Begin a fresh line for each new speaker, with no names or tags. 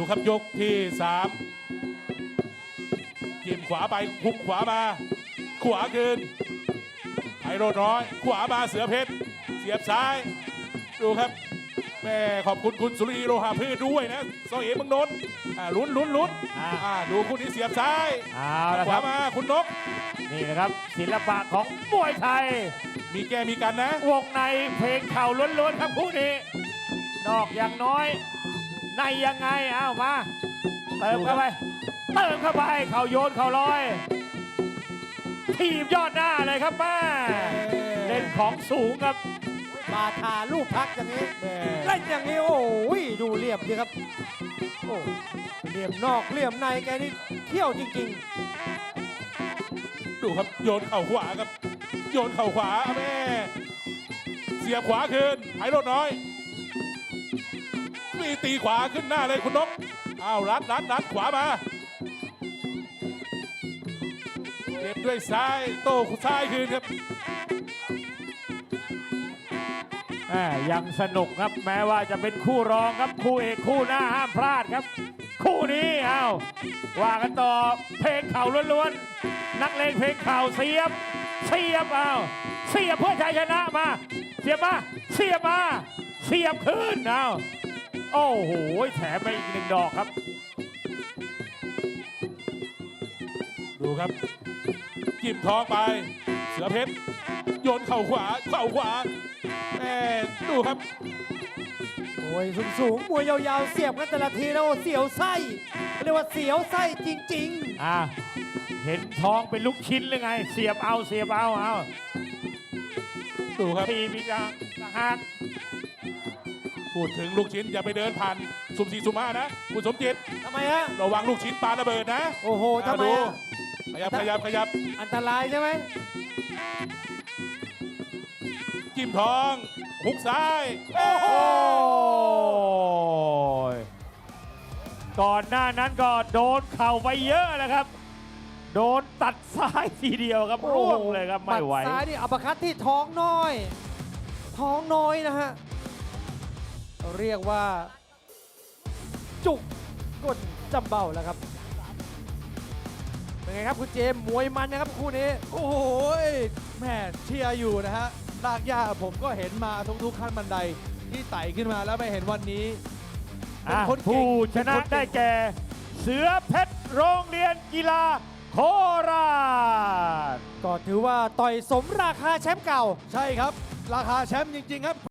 ครับยกที่3จิ้มขวาไปหุกขวามาขวาคืนไพโรจน์น้อยขวามาเสือเพชรเสียบซ้ายดูครับแม่ขอบคุณคุณสุรีโลหะพืชด้วยนะซอเอ๋เมืองนนท์ลุ้นดูคู่นี้เสียบซ้ายขวามาคุณนก
นี่นะครับศิลปะของมวยไทย
มีแก้มีกันนะ
วงในเพลงเข่าล้วนๆครับคู่นี้นอกอย่างน้อยในยังไงเอามาเติมเข้าไปเข่าโยนเข่าลอยทีมยอดหน้าเลยครับแม่เล่นของสูงครับ
บาทาลูกพักอย่างนี้เล่นอย่างนี้โอ้ยดูเหลี่ยมดีครับโอ้เหลี่ยมนอกเหลี่ยมในแกนี่เที่ยวจริง
ๆดูครับโยนเข่าขวาครับโยนเข่าขวาแม่เสียบขวาคืนไพโรจน์น้อยมีตีขวาขึ้นหน้าเลยคุณนกอ้าวรัดขวามาเก็บด้วยซ้ายโต้ซ้ายคืนครับ
ยังสนุกครับแม้ว่าจะเป็นคู่รองครับคู่เอกคู่หน้าห้ามพลาดครับคู่นี้ว่ากันต่อเพลงเข่าล้วนๆนักเลงเพลงเข่าเสียบเพื่อชัยชนะมาเสียบคืนโอ้โหแถมไปอีก1 ดอกครับ
ดูครับจิ้มท้องไปเสือเพชรโยนเข่าขวาแม่ดูครับ
โอ้ยสูงมวยยาวๆเสียบกันแต่ละทีแล้วเสียวไส้เรียกว่าเสียวไส้จริง
ๆเห็นท้องเป็นลูกชิ้นหรือไงเสียบเอา
ดูครับ
ทีมีจังหาก
พูดถึงลูกชิ้นอย่าไปเดินผ่านสุ่ม4สุ่ม5นะคุณสมจิต
ทำไมฮะ
ระวังลูกชิ้นปาระเบิดนะ
โอ้โหทำไม
ขยับ
อันตรายใช่ไหม
จิ้มท้องหุกซ้าย
โอ้โหก่อนหน้านั้นก็โดนเข่าไปเยอะแล้วครับโดนตัดซ้ายทีเดียวครับร่วงเลยครับไม่ไหว
ซ้ายนี่อัปคัตที่ท้องน้อยนะฮะเรียกว่าจุกก้นจำเบ้าแล้วครับเป็นไงครับคุณเจมมวยมันนะครับคู่นี้
โอ้โหแม่เชียร์อยู่นะฮะลากย่าผมก็เห็นมาทุกขั้นบันไดที่ไต่ขึ้นมาแล้วไปเห็นวันนี้
ผู้ชนะได้แก่เสือเพชรโรงเรียนกีฬาโคราช
ก็ถือว่าต่อยสมราคาแชมป์เก่า
ใช่ครับราคาแชมป์จริงๆครับ